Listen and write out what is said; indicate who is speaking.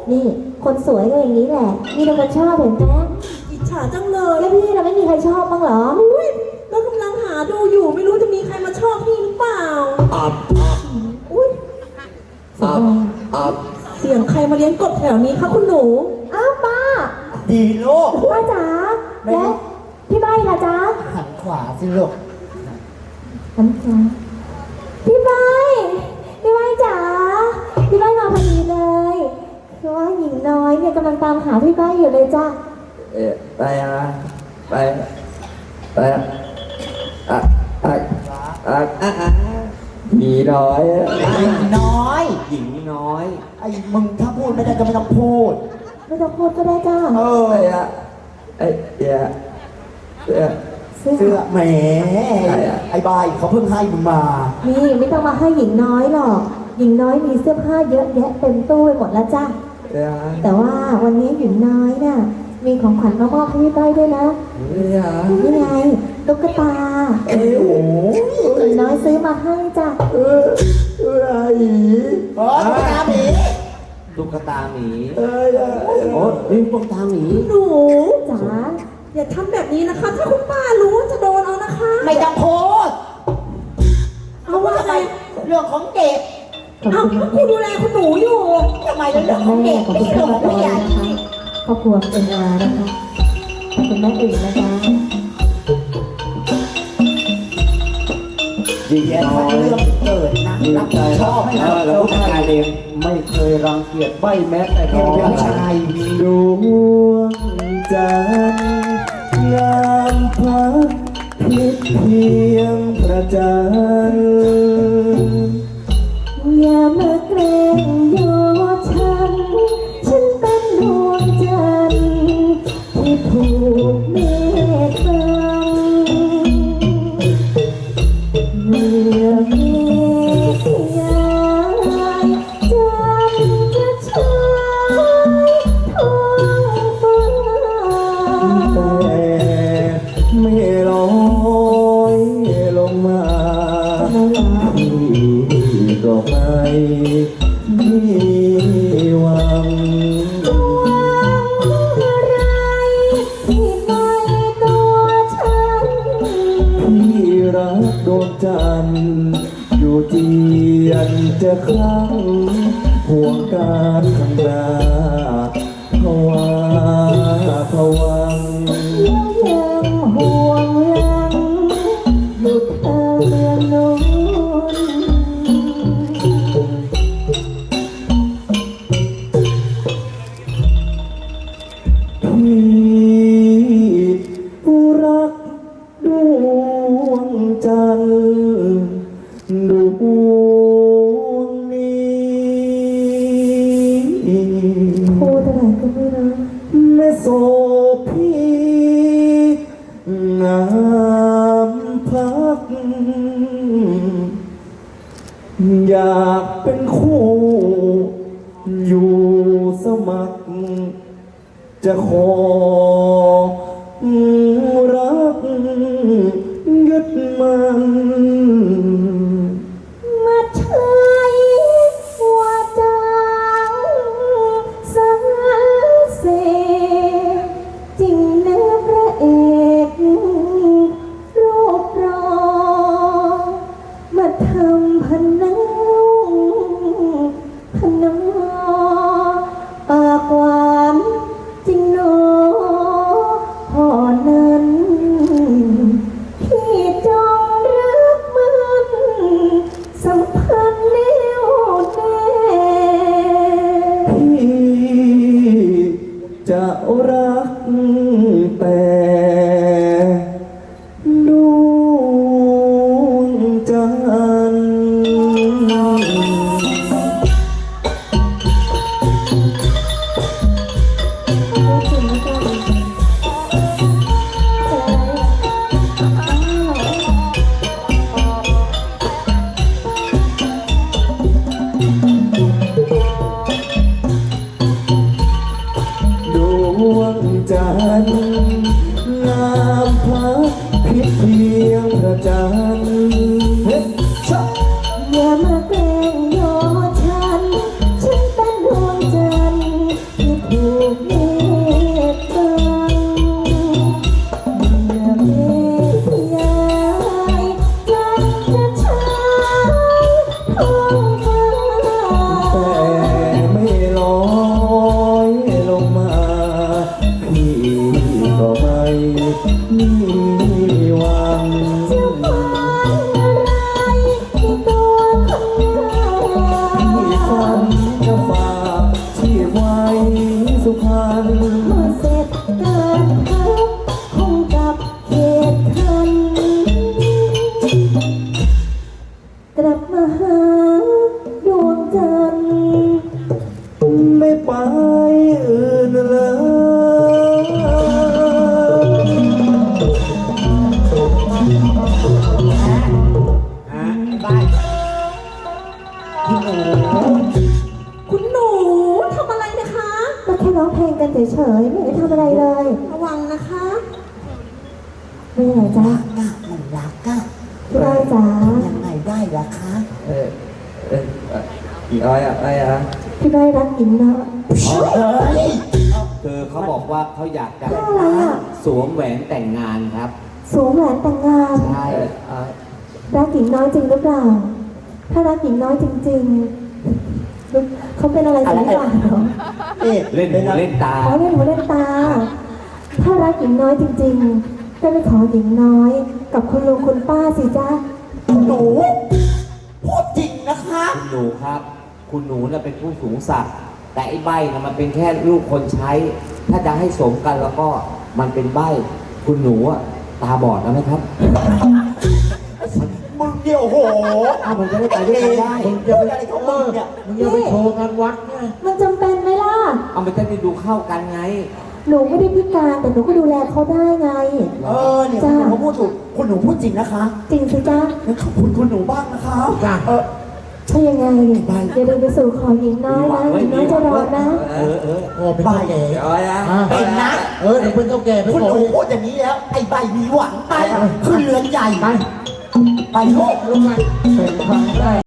Speaker 1: นี่คนสวยก็อย่างนี้แหละมีแต่คนชอบเห็นไหม
Speaker 2: อิจฉาจังเลย
Speaker 1: แล้วพี่เราไม่มีใครชอบบ้างเหรอ
Speaker 2: อุ้ยเรากำลังหาดูอยู่ไม่รู้จะมีใครมาชอบพี่หรือเปล่า
Speaker 3: อับ
Speaker 2: อุ้ย
Speaker 3: อับอับ
Speaker 2: เสียงใครมาเลี้ยงกบแถวนี้คะคุณหนู
Speaker 1: อ้าวป้า
Speaker 3: ดีลูก
Speaker 1: ป้าจ๋าแล้วพี่ใบล่ะจ๊ะ
Speaker 3: หันขวาสิลูก
Speaker 1: น้ำจ๋าพี่ใบจ๋าพี่ใบมาพอดีเลยคือว่าหญิงน้อยเนี่ยกำลังตามหาพี่ใบอยู่เลยจ้ะ
Speaker 3: ไปอะไปอะอ่ะอ่ะอ่ะอ่ะอ่ะหญิงน้อย
Speaker 4: หญิงน้อย
Speaker 3: หญิงน้อย
Speaker 4: ไอ้มึงถ้าพูดไม่ได้ก็ไม่ต้องพูด
Speaker 1: ไม่ต้องพูดก็ได้จ้ะ
Speaker 3: ไปอะไอ้เหี้ยเสื้อ
Speaker 1: เสื้
Speaker 4: เสื้
Speaker 1: อ
Speaker 4: อแหมไอ้บายเขาเพิ่งให้มึงมา
Speaker 1: นี่ไม่ต้องมาให้หญิงน้อยหรอกหญิงน้อยมีเสื้อผ้าเยอะแยะเต็มตู้ไปหมดแล้วจ้ะ
Speaker 3: เสื้อ
Speaker 1: แต่ว่าวันนี้หญิงน้อยน่ะมีของขวัญมามอบให้พี่ใบด้วยนะ
Speaker 3: เสื้อ
Speaker 1: นี่ไงตุ๊กตา
Speaker 4: โอ้โห
Speaker 1: หญิงน้อยซื้อมาให้จ้ะ
Speaker 3: เสื้อหญิ
Speaker 4: เออตุ๊กตาหมี
Speaker 3: ตุ๊กตาหมีโอ้นี่ตุ๊กตาหมี
Speaker 2: หนู
Speaker 1: จ๋า
Speaker 2: อย่าทำแบบนี้นะคะ ถ้าคุณป้ารู้จะโดนเอานะคะ
Speaker 4: ไม่ต้องพูด
Speaker 2: เอาว่าไง
Speaker 4: เรื่องของเด็ก
Speaker 1: ขอบ
Speaker 2: เอา
Speaker 1: คุณ
Speaker 2: ก็คุณดูแลคุณหนูอยู่
Speaker 4: ทำไมเรื่องของ
Speaker 1: แม่
Speaker 4: เด็ก
Speaker 1: ขอบ
Speaker 4: ไม่
Speaker 1: คุณ
Speaker 4: ใช่
Speaker 1: ท่า
Speaker 4: เรื่อน งของ
Speaker 1: พระ
Speaker 4: ผู้ใหญ่
Speaker 1: นะคะครอบครัวเป็นอานะคะขอบคุณแม่อื่นนะจ๊ะ
Speaker 3: หญิง
Speaker 4: แย่
Speaker 3: น้
Speaker 4: เขา
Speaker 3: อย
Speaker 4: เรื่องเกิดนะ
Speaker 3: ดี
Speaker 4: รับ
Speaker 3: ใจ
Speaker 4: ผิดชอบให้
Speaker 3: แล้วผู้ชายเองไม่เคยรังเกียจใบแม้แต่
Speaker 4: เกี่ยวกับผู้ชาย
Speaker 3: ดวงจันทร์ยามพักพิษเพียงประจันทร์
Speaker 1: อย่ามาเกรงโยฉันเป็นดวงจันทร์ที่ผูกเมตตาเมื่อเมฆย้ายจันทร์จะฉายท้องฟ้า
Speaker 3: แต่ไม่ลอยลงมาพี่ก็ไม่มีหวัง
Speaker 1: ที่ไม่ตัวฉัน
Speaker 3: พี่รักดวงจันทร์อยู่เจียนจะครั้งห่วงการข้างหน้าภาวะผวัง
Speaker 1: ยังห่วงหลังอยู่ทางเมืองโน้น
Speaker 3: พี่รักดวงจันทร์ดวงนี้
Speaker 1: พูดอะไรก็ไม่รู้
Speaker 3: แม่โสพี่งามพัก อยากเป็นคู่อยู่สมัคร จะขอรักยึดมัน
Speaker 1: มาใช้ว่าจางสรรเสริญจริงนะพระเอกรูปรอมาทำพนังพนอปากหวานจริงหนอพ่อนั้นพี่จงรักมันสัมพันธ์แน่วแน่
Speaker 3: พี่จะรักแต่ดวงจันทร์ ดวงจันทไปอื่นเลย
Speaker 4: บ้านคุณหนู
Speaker 2: คุณหนูทำอะไรนะคะ
Speaker 1: ก็แค่ร้องเพลงกันเฉยๆไม่ได้ทำอะไรเลย
Speaker 2: ระวังนะคะ
Speaker 1: ไม่ไหนจ๊ะ
Speaker 4: น่ามันรักอะ
Speaker 1: พี่ได้จ๋า
Speaker 4: ยังไงได้ล่ะคะ
Speaker 3: อีอ้อยอะอะไรอะ
Speaker 1: พี่ได้รักหญิงเนาะ
Speaker 4: เฮ้ย
Speaker 5: คือเขาบอกว่าเขาอยากจะ
Speaker 1: เรื่องอะไรอ่ะ
Speaker 5: สวมแหวนแต่งงานครับ
Speaker 1: สวมแหวนแต่งงาน
Speaker 5: ใช่
Speaker 1: รักหญิงน้อยจริงหรือเปล่า ถ้ารักหญิงน้อยจริงๆเขาเป็นอะไรสักอย่างเหรอ
Speaker 5: เล่นหูเล่นตา
Speaker 1: เขาเล่นหูเล่นตา ถ้ารักหญิงน้อยจริงๆ ก็ไปขอหญิงน้อย กับคุณลุงคุณป้าสิจ๊ะ
Speaker 4: หนูพูดจริงนะคะ
Speaker 5: คุณหนูครับ คุณหนูน่ะเป็นผู้สูงศักดิ์แต่ไอ้ใบน่ะมันเป็นแค่ลูกคนใช้ ถ้าจะให้สมกันแล้วก็มันเป็นใบคุณหนูอะตาบอดแล้วไหมครับ
Speaker 4: มึงเดียวโห
Speaker 5: อ้าวมันจะได้ไปด้วยกันได้
Speaker 4: มึงจะไปอะไรของมึงเนี่ย
Speaker 1: มึงอย่าไปโชว์งานวัดไงมันจำเป็นไหมล่ะ
Speaker 5: เอามันจะได้ดูเข้ากันไง
Speaker 1: หนูไม่ได้พิการแต่หนูก็ดูแลเขาได้ไง
Speaker 4: เนี่ยคุณหนูเขาพูดถูกคุณหนูพูดจริงนะคะ
Speaker 1: จริงสิจ๊ะ
Speaker 4: งั้นขอบคุณคุณหนูบ้างนะคะ
Speaker 1: ถ้ายังไงอย่าลืมไปสู่ขอหญิงน้อยนะหญิงน้อยจะรอนะ
Speaker 4: โอ้เป็นใบเอ๋
Speaker 5: อ้อยอะ
Speaker 4: เป็นนะ
Speaker 6: เออเดี๋ยวเป็นเจ้าแก่ไป
Speaker 4: คุณ
Speaker 6: ขอ
Speaker 4: หนู
Speaker 6: อีก
Speaker 4: พูดอย่างนี้แล้ว ไอ้ใบมีหวังไปขึ้นเรือนใหญ่ ไปโลก
Speaker 6: ลงมาเป็นทางได้